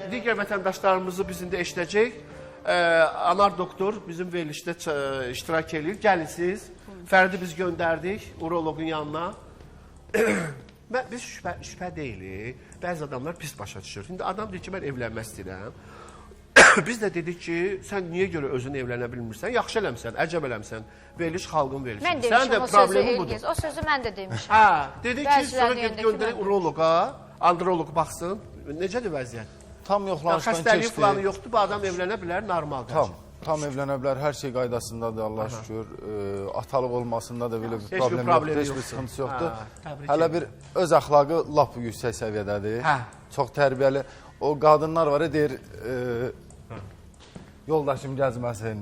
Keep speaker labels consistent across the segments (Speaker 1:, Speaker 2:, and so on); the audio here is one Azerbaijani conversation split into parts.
Speaker 1: digər vətəndaşlarımızı bizim də eşidəcək. Anar doktor bizim verilişdə iştirak edir. Gəlin siz. Fərdi biz göndərdik uroloqun yanına. Biz şübhə deyilik. Bəzi adamlar pis başa düşür. Şimdi adam deyir ki, mən evlənmək istəyirəm. Biz də dedik ki, sən niyə görə özünü evlənə bilmirsən? Yaxşı eləmsən, əcəb eləmsən. Veriliş xalqın verilişi.
Speaker 2: Mən demişim, o sözü Elgiz. O sözü mən də demişim.
Speaker 1: Hə, dedik ki, sonra göndərək uroloqa, androloq baxsın. Necədir vəziyyət?
Speaker 3: Tam yoxlanışdan keçdi.
Speaker 1: Xəstəliyi falan yoxdur, bu adam evlənə bilər, normaldır.
Speaker 3: Tam evlənə bilər, hər şey qaydasındadır, Allah şükür. Atalıq olmasında da belə bir problem yoxdur, heç bir sıxıntısı yoxdur. Hələ bir öz əxlaqı lap yüksək səviyyədədir. Çox tərbiyəli. O qadınlar var, deyir, yoldaşım gəzməsin,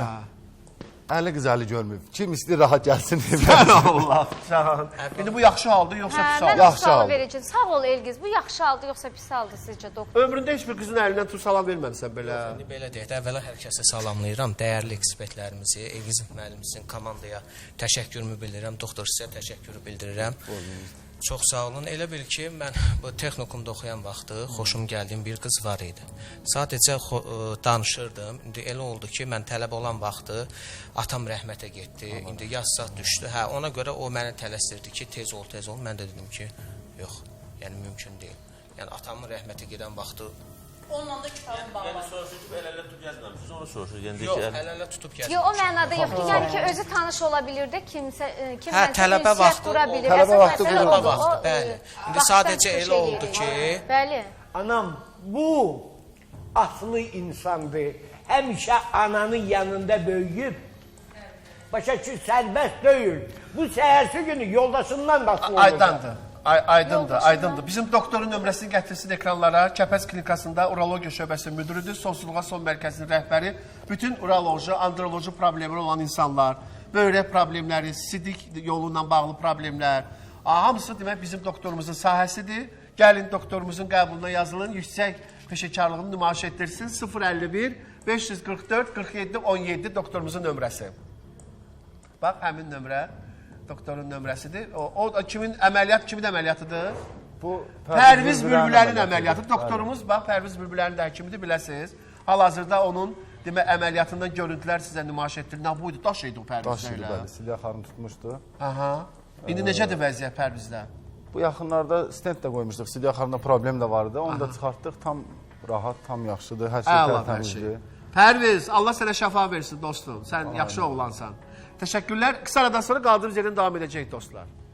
Speaker 3: əli qız əli görməyib. Kim istəyir, rahat gəlsin.
Speaker 1: Sən Allah, sən. İndi bu yaxşı haldır, yoxsa pis haldır?
Speaker 2: Mən sualı verəcəm. Sağ ol Elgiz, bu yaxşı haldır, yoxsa pis haldır sizcə doktor?
Speaker 1: Ömründə heç bir qızın əlindən tut salam verməmsən belə.
Speaker 4: İndi belə deyək də, əvvəla hər kəsə salamlayıram. Dəyərli ekspertlərimizi, Elgiz müəllimimizin komandaya təşəkkürümü bildirirəm. Doktor sizə təşəkkürü bildirirəm. Çox sağ olun. Elə bil ki, mən bu texnikumda oxuyan vaxtı xoşum gəldiyim bir qız var idi. Sadəcə danışırdım. İndi elə oldu ki, mən tələb olan vaxtı atam rəhmətə getdi. İndi yaz saat düşdü. Hə, ona görə o məni tələsdirdi ki, tez ol, tez ol. Mən də dedim ki, yox, yəni mümkün deyil. Yəni atamın rəhmətə gedən vaxtı
Speaker 5: onunla da kitabın bağlı.
Speaker 6: Yəni soruşur ki, əl-ələ tutub gəzməmişsiniz, onu soruşur.
Speaker 4: yox, əl-ələ tutub gəzməmişik.
Speaker 2: Yox, o mənada yoxdur. Yəni ki, özü tanış ola bilir də, kimsə
Speaker 4: tələbə vaxtı
Speaker 2: qura bilir.
Speaker 3: Tələbə vaxtı,
Speaker 4: bəli. İndi sadəcə elə oldu ki...
Speaker 2: Bəli.
Speaker 7: Anam, bu aslı insandır. Həmişə ananın yanında böyüyüb. Başa ki, sərbəst deyil. Bu səhərsi günü yoldaşından da asılı olacaq.
Speaker 1: Aydındır. Aydındır. Bizim doktorun nömrəsini gətirsin ekranlara. Kəpəz klinikasında urologiya şöbəsinin müdürüdür. Sonsuzluğa son mərkəzinin rəhbəri. Bütün uroloji, androloji problemləri olan insanlar, böyrək problemləri, sidik yolu ilə bağlı problemlər, hamısı demək bizim doktorumuzun sahəsidir. Gəlin doktorumuzun qəbuluna yazılın, yüksək peşəkarlığını nümayiş etdirsin. 051 544 47 17 doktorumuzun nömrəsi. Bax, həmin nömrə. Doktorun nömrəsidir. O kimin əməliyyatıdır?
Speaker 3: Bu
Speaker 1: Pərviz Bülbülənin əməliyatı. Doktorumuz bax Pərviz Bülbülənin də həkimidir, biləsiniz. Hal-hazırda onun demək əməliyyatından görüntülər sizə nümayiş etdirir. Nə buydu? Daş idi o Pərvizdə
Speaker 3: daş idi, bəli. Silya xanım tutmuşdu.
Speaker 1: Aha. İndi necədir vəziyyət Pərvizdə?
Speaker 3: Bu yaxınlarda stent də qoymuşduq. Silya xanımda problem də vardı. Onu da çıxartdıq. Tam rahat, tam yaxşıdır. Hər şey tərtəmizdir.
Speaker 1: Pərviz, Allah sənə şəfa versin dostum. Sən yaxşı oğlansan. Təşəkkürlər. Qısa aradan sonra qaldığımız yerdən davam edəcək dostlar.